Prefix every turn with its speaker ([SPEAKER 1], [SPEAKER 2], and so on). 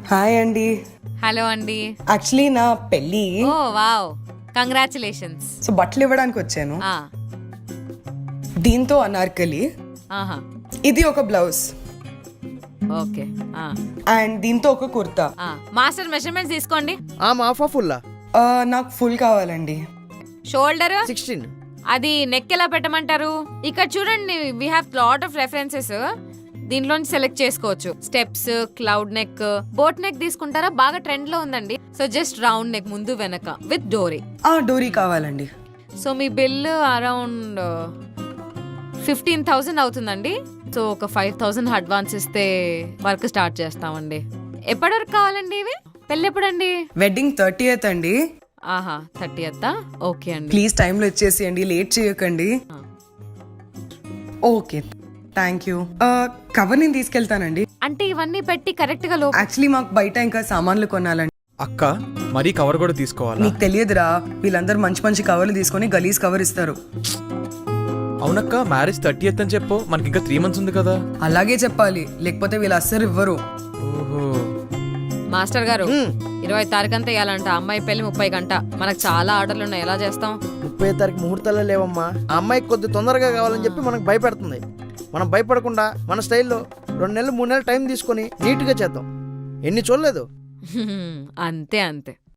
[SPEAKER 1] Hi అండి.
[SPEAKER 2] Hello అండి.
[SPEAKER 1] Actually నా పెళ్ళి,
[SPEAKER 2] ఓ వావ్, కంగ్రాచులేషన్స్.
[SPEAKER 1] సో బట్టలు ఇవ్వడానికి వచ్చాను. దీంతో అనార్కలి,
[SPEAKER 2] ఆహా,
[SPEAKER 1] ఇది ఒక బ్లౌజ్
[SPEAKER 2] ఓకే.
[SPEAKER 1] అండ్ దీంతో ఒక కుర్తా.
[SPEAKER 2] మాస్టర్ మెజర్మెంట్స్ తీసుకోండి.
[SPEAKER 3] హాఫా ఫుల్లా?
[SPEAKER 1] నాకు ఫుల్ కావాలండి.
[SPEAKER 2] షోల్డర్
[SPEAKER 3] 16.
[SPEAKER 2] అది నెక్ ఎలా పెట్టమంటారు? ఇక్కడ చూడండి, we have lot of references. దీంట్లోంచి సెలెక్ట్ చేసుకోవచ్చు. Steps, cowl neck, boat neck తీసుకుంటారా? బాగా ట్రెండ్ లో ఉందండి. సో జస్ట్ రౌండ్ నెక్, ముందు వెనక విత్ డోరీ.
[SPEAKER 1] డోరీ కావాలండి.
[SPEAKER 2] సో మీ బిల్ అరౌండ్ 15,000 అవుతుందండి. సో ఒక 5,000 అడ్వాన్స్ ఇస్తే వర్క్ స్టార్ట్ చేస్తామండి. ఎప్పటి వరకు కావాలండి ఇవి? పెళ్ళి ఎప్పుడండి?
[SPEAKER 1] వెడ్డింగ్ 30th అండి.
[SPEAKER 2] ఆహా, 30th. ఓకే అండి.
[SPEAKER 1] ప్లీజ్ టైంలో ఇచ్చేసేయండి, లేట్ చేయకండి. Okay, thank you. కవర్ నేను తీసుకెళ్తానండి.
[SPEAKER 2] అంటే ఇవన్నీ పెట్టి కరెక్ట్ గా
[SPEAKER 1] యాక్చువల్లీ మాకు బయట ఇంకా సామాన్లు కొనాలండి.
[SPEAKER 4] అక్క, మరీ కవర్ కూడా తీసుకోవాలా?
[SPEAKER 1] నీకు తెలియదురా, వీళ్ళందరూ మంచి మంచి కవర్లు తీసుకొని గలీజ్ కవర్ ఇస్తారు.
[SPEAKER 4] అవునక్క, మ్యారేజ్ 30th అని చెప్పు. మనకి ఇంకా 3 months ఉంది కదా.
[SPEAKER 1] అలాగే చెప్పాలి, లేకపోతే వీళ్ళు అస్సలు ఇవ్వరు.
[SPEAKER 4] ఓహో.
[SPEAKER 2] మాస్టర్ గారు, 20 తారీఖు అంతా ఇవ్వాలంట. అమ్మాయి పెళ్లి 30 గంట. మనకు చాలా ఆర్డర్లు ఉన్నాయి, ఎలా చేస్తాం?
[SPEAKER 3] 30 తారీఖు ముహూర్తాలే లేవమ్మా. ఆ అమ్మాయికి కొద్ది తొందరగా కావాలని చెప్పి మనకు భయపెడుతుంది. మనం భయపడకుండా మన స్టైల్లో 2 నెలలు 3 నెలలు టైం తీసుకొని నీట్గా చేద్దాం. ఎన్ని చూడలేదు.
[SPEAKER 2] అంతే అంతే.